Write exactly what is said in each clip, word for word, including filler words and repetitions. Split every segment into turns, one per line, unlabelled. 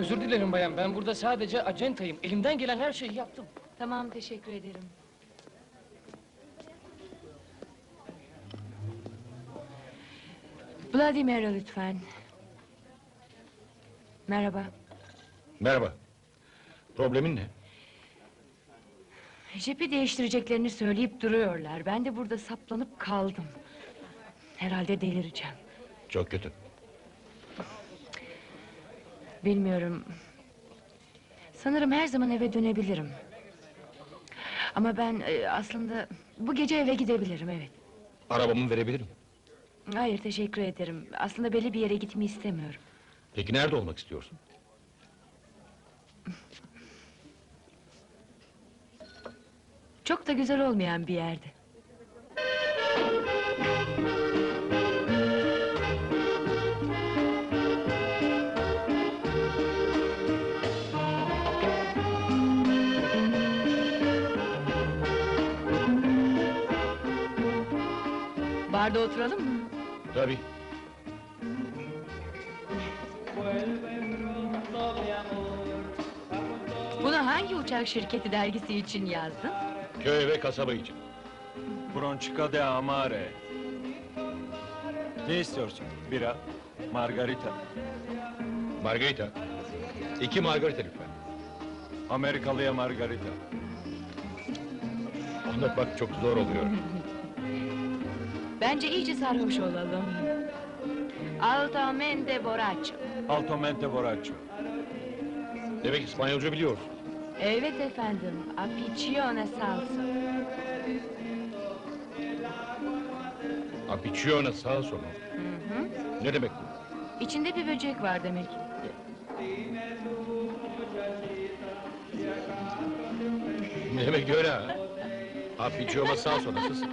Özür dilerim bayan, ben burada sadece acentayım. Elimden gelen her şeyi yaptım.
Tamam, teşekkür ederim. Vladimir'a lütfen. Merhaba.
Merhaba. Problemin ne?
Jipi değiştireceklerini söyleyip duruyorlar. Ben de burada saplanıp kaldım. Herhalde delireceğim.
Çok kötü.
Bilmiyorum. Sanırım her zaman eve dönebilirim. Ama ben e, aslında bu gece eve gidebilirim, evet.
Arabamı verebilirim.
Hayır, teşekkür ederim. Aslında belli bir yere gitmeyi istemiyorum.
Peki nerede olmak istiyorsun?
Çok da güzel olmayan bir yerde. Barda oturalım mı?
Tabii.
Bunu hangi uçak şirketi dergisi için yazdın?
Köy ve kasaba için.
Bronchica de Amare. Ne istiyorsun? Bira, margarita,
Margarita. İki margarita lütfen.
Amerikalıya margarita.
Anlatmak çok zor oluyor.
Bence iyice sarhoş olalım. Altamente borracho.
Altamente borracho.
Demek İspanyolca biliyorsun.
Evet efendim, apiccione salsa.
Apiccione salsa mı?
Hı hı.
Ne demek bu?
İçinde bir böcek var demek.
Ne demek öyle ha? Apiccione salsa nasılsın?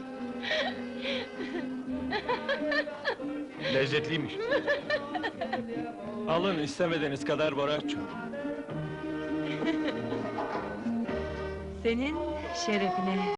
Lezzetliymiş.
Alın istemediğiniz kadar borracho.
Senin şerefine.